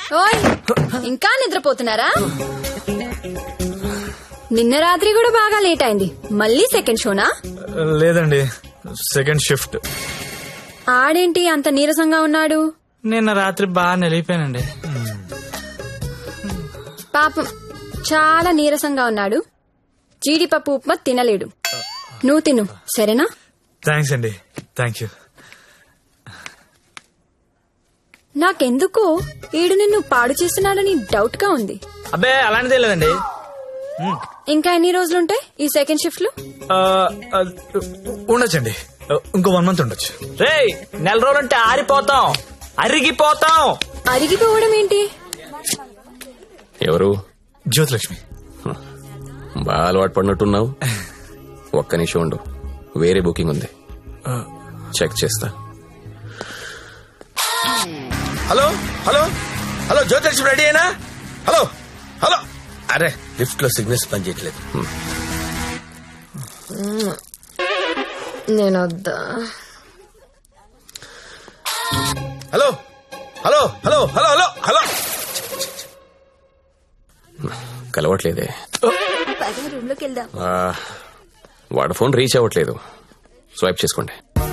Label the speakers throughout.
Speaker 1: ఓయ్ ఇంకా నిద్రపోతున్నారా? నిన్న రాత్రి కూడా బాగా లేట్ అయింది. మళ్ళీ సెకండ్ షోనా?
Speaker 2: లేదండి, సెకండ్ షిఫ్ట్.
Speaker 1: ఆడేంటి అంత నీరసంగా ఉన్నాడు?
Speaker 2: నిన్న రాత్రి బాగా నిలిపోయానండి.
Speaker 1: పాపం చాలా నీరసంగా ఉన్నాడు. జీడిపప్పు ఉప్మా తినలేడు. నువ్వు తిను సరేనా?
Speaker 2: థ్యాంక్స్ అండి. Thank you.
Speaker 1: నాకెందుకో ఈడు నిన్ను పాడు చేస్తున్నాడని డౌట్ గా ఉంది.
Speaker 2: అబ్బే అలాంటిదే లేదండి.
Speaker 1: ఇంకా ఎన్ని రోజులుంటాయి ఈ సెకండ్ షిఫ్ట్ లో?
Speaker 2: ఉండొచ్చండి, ఇంకో 1 month ఉండొచ్చు. రే, నెల రోజులంటే ఆరిపోతాం, అరిగిపోతాం.
Speaker 1: అరిగిపోవడం ఏంటి?
Speaker 3: ఎవరు?
Speaker 2: జ్యోతిలక్ష్మి.
Speaker 3: బాగా అలవాటు పడినట్టున్నావు. ఒక్క నిమిషం ఉండు, వేరే బుకింగ్ ఉంది, చెక్ చేస్తా.
Speaker 4: Hello hello hello, Jyothilakshmi ready అయినా? Hello hello. అరే, లిఫ్ట్ లో సిగ్నల్స్ పనిచేయట్లేదు.
Speaker 1: నేను వద్దా?
Speaker 4: Hello hello hello hello hello hello.
Speaker 3: కలవట్లేదే.
Speaker 1: రూమ్ లోకి వెళ్దాం.
Speaker 3: వాడు ఫోన్ రీచ్ అవ్వట్లేదు. స్వైప్ చేసుకోండి.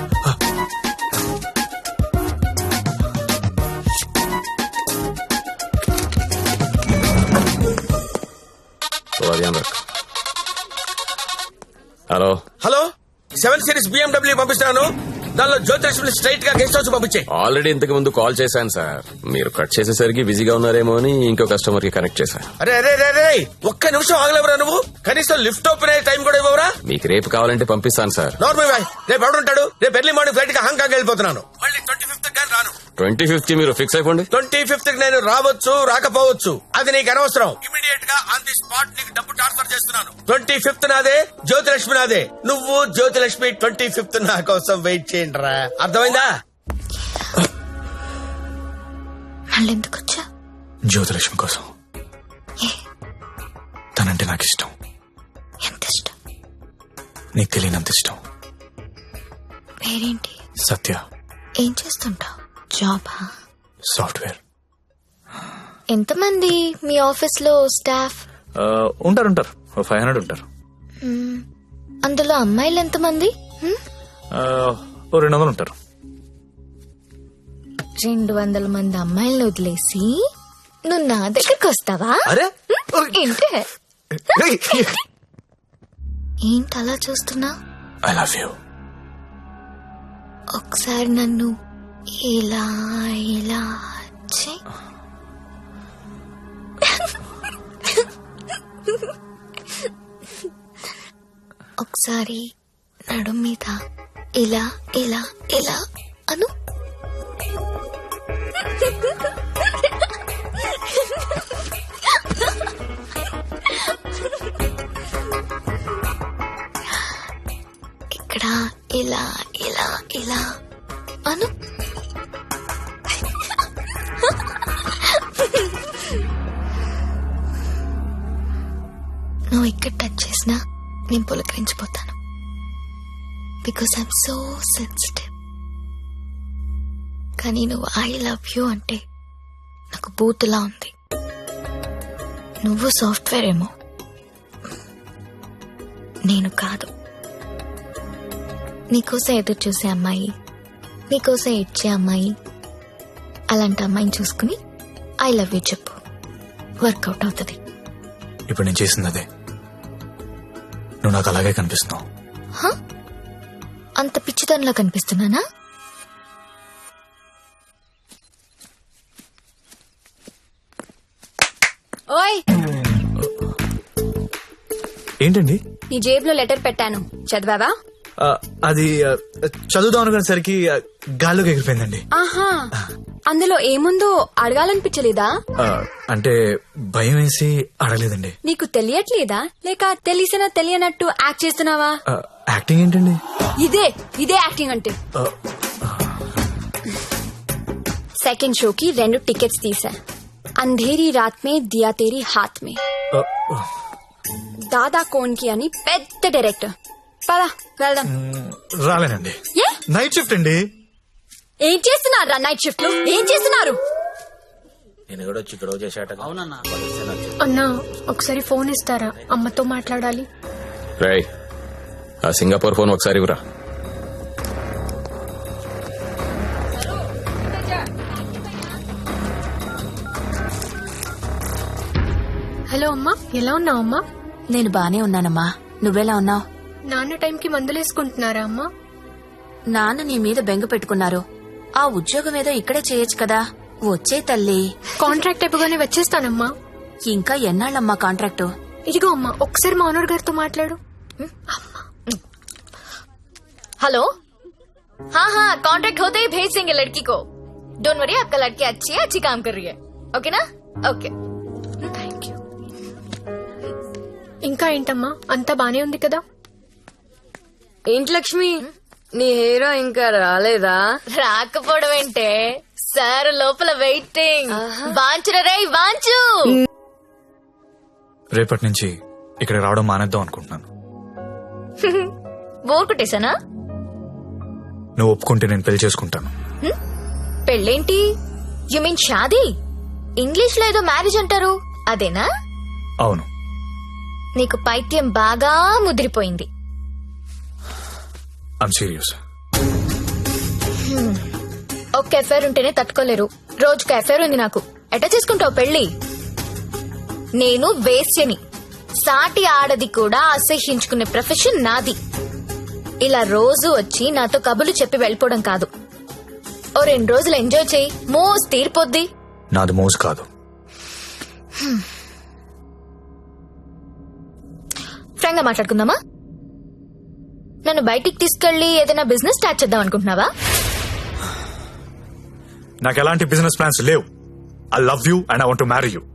Speaker 3: హలో
Speaker 4: హలో, 7 Series BMW పంపిస్తున్నాను. దానిలో జ్యోతిలక్ష్మి స్ట్రైట్ గా గెస్ట్ హౌస్ పంపించే.
Speaker 3: ఆల్రెడీ ఇంతకు ముందు కాల్ చేశాను సార్. మీరు కట్ చేసేసరికి బిజీగా ఉన్నారేమో అని ఇంకో కస్టమర్ కి కనెక్ట్ చేశా.
Speaker 4: అరే అరే అరే అరే, ఒక్క నిమిషం ఆగలేవరా నువ్వు? కనీసం లిఫ్ట్ ఓపెన్ అయ్యే టైం కూడా ఇవ్వరా?
Speaker 3: మీకు రేపు కావాలంటే పంపిస్తాను సార్.
Speaker 4: నార్మల్ బాయ్, రేపు ఎవడుంటాడు? రేపు ఎర్లీ మార్నింగ్ ఫ్లైట్ గా హాంకాంగ్ వెళ్ళిపోతున్నాను. మళ్ళీ 25th కానీ రాను.
Speaker 3: 25th మీరు ఫిక్స్ అయిపోండి.
Speaker 4: 25th నేను రావచ్చు రాకపోవచ్చు, అది నీకు అనవసరం. ఇమీడియట్ గా ఆన్ ది స్పాట్ నీకు డబ్బు ట్రాన్స్ఫర్ చేస్తున్నాను. 25th నాదే, జ్యోతిలక్ష్మి నాదే. నువ్వు జ్యోతిలక్ష్మి 25th నా కోసం వెయిట్ చేయండి రా. అర్థమైందా?
Speaker 1: మళ్ళెందుకు వచ్చా?
Speaker 2: జ్యోతిలక్ష్మి కోసం. తనంటే నాకు ఇష్టం.
Speaker 1: ఎంత ఇష్టం?
Speaker 2: నీకు తెలియనంత ఇష్టం.
Speaker 1: పేరేంటి?
Speaker 2: సత్య.
Speaker 1: ఏం చేస్తుంటావు? జాబా?
Speaker 2: సాఫ్ట్వేర్.
Speaker 1: ఎంతమంది మీ ఆఫీస్ లో స్టాఫ్?
Speaker 2: ఉంటారు 500 ఉంటారు.
Speaker 1: అందులో అమ్మాయిలు ఎంతమంది?
Speaker 2: 200 ఉంటారు.
Speaker 1: 200 మంది అమ్మాయిలను వదిలేసి నువ్వు నా దగ్గరకు వస్తావా?
Speaker 2: అరే
Speaker 1: ఏంటి ఏంటి అలా చూస్తున్నా?
Speaker 2: I love you.
Speaker 1: ఒకసారి నన్ను ఇలా ఇలా చెయ్. ఒకసారి నడుం మీద ఇలా ఇలా ఇలా అను. ఇక్కడ ఇలా ఇలా ఇలా అను. నువ్వు ఇక్కడ టచ్ చేసినా నేను పులకరించిపోతాను. Because I'm so sensitive. కానీ నువ్వు ఐ లవ్ యూ అంటే నాకు బూతులా ఉంది. నువ్వు సాఫ్ట్వేర్ ఏమో, నేను కాదు. నీకోసం ఎదురు చూసే అమ్మాయి, నీకోసం ఇచ్చే అమ్మాయి, అలాంటి అమ్మాయిని చూసుకుని ఐ లవ్ యూ చెప్పు, వర్కౌట్ అవుతుంది.
Speaker 2: ఇప్పుడు నేను చేసింది అదే. నువ్వు నాకు అలాగే కనిపిస్తున్నావు.
Speaker 1: అంత పిచ్చితనంలా కనిపిస్తున్నానా? ఓయ్,
Speaker 2: ఏంటండి?
Speaker 1: నీ జేబులో లెటర్ పెట్టాను, చదివావా?
Speaker 2: అది చదువుదాం అనుకునేసరికి గాల్లోకి ఎగిరిపోయిందండి.
Speaker 1: ఆహా, అందులో ఏముందో అడగాలనిపించలేదా?
Speaker 2: అంటే భయం వేసి అడగలేదండి.
Speaker 1: నీకు తెలియట్లేదా, లేక తెలిసినా తెలియనట్టు యాక్ట్ చేస్తున్నావా?
Speaker 2: యాక్టింగ్ ఏంటండి?
Speaker 1: ఇదే యాక్టింగ్ అంటే. సెకండ్ షోకి 2 టికెట్స్ తీసా. అంధేరీ రాత్ మే దియా తేరీ హాత్ మే. దాదా కోన్ కి అని పెద్ద డైరెక్టర్. పదా వెళ్దాం.
Speaker 2: రాలేనండి, నైట్ షిఫ్ట్ అండి.
Speaker 1: ఏం చేస్తున్నారా నైట్ షిఫ్ట్ లో? ఏం చేస్తున్నారు?
Speaker 4: నేను కూడా వచ్చి గొడవ చేశాట. అవునన్నా.
Speaker 5: అన్నా ఒకసారి ఫోన్ ఇస్తారా, అమ్మతో మాట్లాడాలి.
Speaker 3: రేయ్ ఆ సింగపూర్ ఫోన్ ఒకసారి ఇవ్వరా.
Speaker 5: హలో అమ్మా, ఎలా ఉన్నావు అమ్మా?
Speaker 6: నేను బానే ఉన్నానమ్మా, నువ్వెలా ఉన్నావు?
Speaker 5: నాన్న టైంకి మందులేసుకుంటున్నారా అమ్మా?
Speaker 6: నాన్న నీ మీద బెంగ పెట్టుకున్నారు. ఆ ఉద్యోగం ఏదో ఇక్కడే చేయొచ్చు కదా. వచ్చే తల్లి.
Speaker 5: కాంట్రాక్ట్ అయిపోగానే వచ్చేస్తానమ్మా.
Speaker 6: ఇంకా ఎన్నాళ్ళమ్మా కాంట్రాక్టు?
Speaker 5: ఇదిగో అమ్మా, ఒకసారి మా ఓనర్ గారితో మాట్లాడు.
Speaker 1: हेलो, हाँ हाँ कॉन्ट्रैक्ट होते ही भेज देंगे लड़की को. डोंट वरी, आपका लड़की अच्छी है, अच्छी काम कर रही है. ओके ना? ओके.
Speaker 5: Thank you. ఇంకా ఏంటమ్మా, అంతా బానే ఉంది కదా?
Speaker 7: ఏంటి లక్ష్మి, నీ హీరో ఇంకా రాలేదా?
Speaker 1: రాకపోవడం ఏంటే సార్, లోపల వెయిటింగ్. వాంచురా రే వాంచు.
Speaker 2: రేపటి నుంచి ఇక్కడ రావడం మానేద్దాం అనుకుంటున్నాను.
Speaker 1: బోర్ కొట్టేశానా?
Speaker 2: నువ్వు ఒప్పుకుంటే నేను పెళ్లి చేసుకుంటాను.
Speaker 1: పెళ్ళేంటి? యు మీన్ షాదీ? ఇంగ్లీష్ లో ఏదో మ్యారేజ్ అంటారు, అదేనా?
Speaker 2: అవును.
Speaker 1: నీకు పైత్యం బాగా ముదిరిపోయింది.
Speaker 2: I'm serious.
Speaker 1: ఒక్క ఎఫైర్ ఉంటేనే తట్టుకోలేరు, రోజుకు ఎఫైర్ ఉంది నాకు. ఎట్లా చేసుకుంటావు పెళ్లి? నేను వేశ్యని, సాటి ఆడది కూడా అసహ్యించుకునే ప్రొఫెషన్ నాది. ఇలా రోజు వచ్చి నాతో కబులు చెప్పి వెళ్ళిపోవడం కాదు. ఓ 2 రోజులు ఎంజాయ్ చేయి, మోస్ తీరిపోద్ది.
Speaker 2: నాది మోజు కాదు.
Speaker 1: ఫ్రాంక్ గా మాట్లాడుకుందామా? నన్ను బయటికి తీసుకెళ్లి ఏదైనా బిజినెస్ స్టార్ట్ చేద్దాం అనుకుంటున్నావా?
Speaker 2: నాకు ఎలాంటి బిజినెస్ ప్లాన్స్ లేవు. I love you and I want to marry you.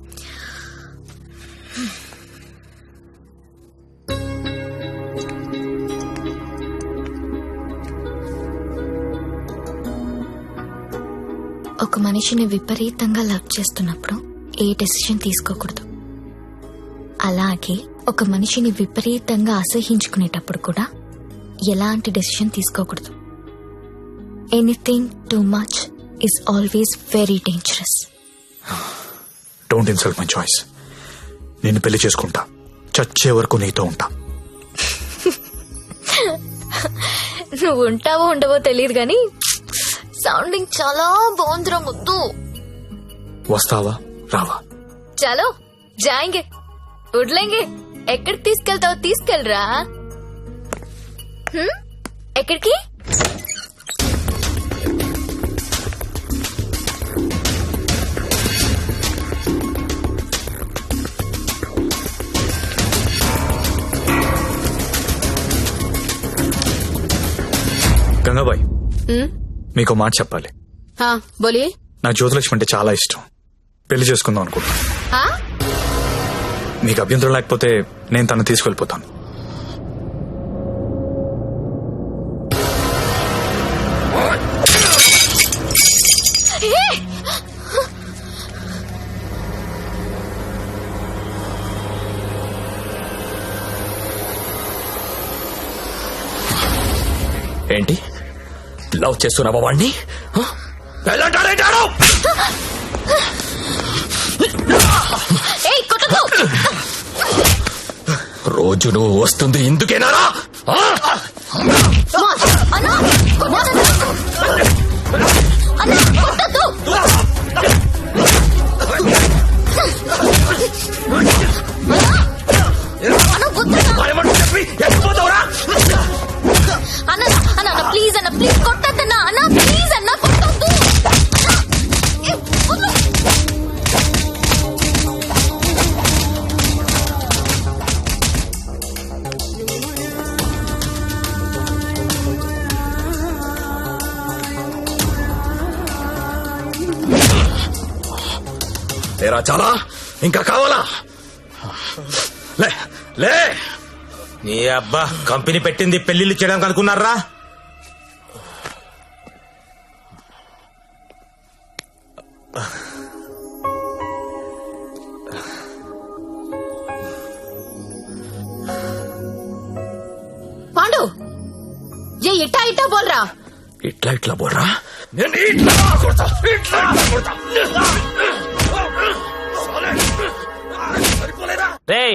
Speaker 1: ఒక మనిషిని విపరీతంగా లవ్ చేస్తున్నప్పుడు ఏ డెసిషన్ తీసుకోకూడదు. అలాగే ఒక మనిషిని విపరీతంగా అసహించుకునేటప్పుడు కూడా ఎలాంటి డెసిషన్ తీసుకోకూడదు. Anything too much is always very dangerous.
Speaker 2: Don't insult my choice. నేను పెళ్లి చేసుకుంటా, చచ్చే వరకు నీతో ఉంటా.
Speaker 1: నువ్వు ఉంటావో ఉండవో తెలియదు గాని సౌండింగ్ చాలా బాగుందిరా ముద్దు.
Speaker 2: వస్తావా రావా?
Speaker 1: చలో జాయింగే, ఉడ్లేంగే. ఎక్కడికి తీసుకెళ్తావో తీసుకెళ్ళరా. ఎక్కడికి?
Speaker 2: గంగాబాయ్, మీకు మాట చెప్పాలి.
Speaker 7: हाँ बोलिए.
Speaker 2: నాకు జ్యోతిలక్ష్మి అంటే చాలా ఇష్టం. పెళ్లి చేసుకుందాం అనుకుంటా.
Speaker 7: हाँ
Speaker 2: మీకు అభ్యంతరం లేకపోతే నేను తను తీసుకెళ్లిపోతాను.
Speaker 3: ఏంటి లవ్ చేస్తున్నావా వాణ్ణి? రోజు నువ్వు వస్తుంది ఇందుకేనారా?
Speaker 1: అన్న ప్లీజ్, అన్న ప్లీజ్ కొట్టద్దన్నా. అన్న ప్లీజ్, అన్న కొట్టద్దు.
Speaker 3: లేరా చాలా? ఇంకా కావాలా? లే లే.
Speaker 4: నీ అబ్బా కంపెనీ పెట్టింది పెళ్లిళ్ళు చేయడానికి అనుకున్నారా?
Speaker 1: పాండు, ఏ ఇట్టా ఇట్టా బోల్రా.
Speaker 3: ఇట్లా ఇట్లా బోర్రా. నేను ఇట్లా కొడతా, ఇట్లా కొడతా.
Speaker 8: రేయ్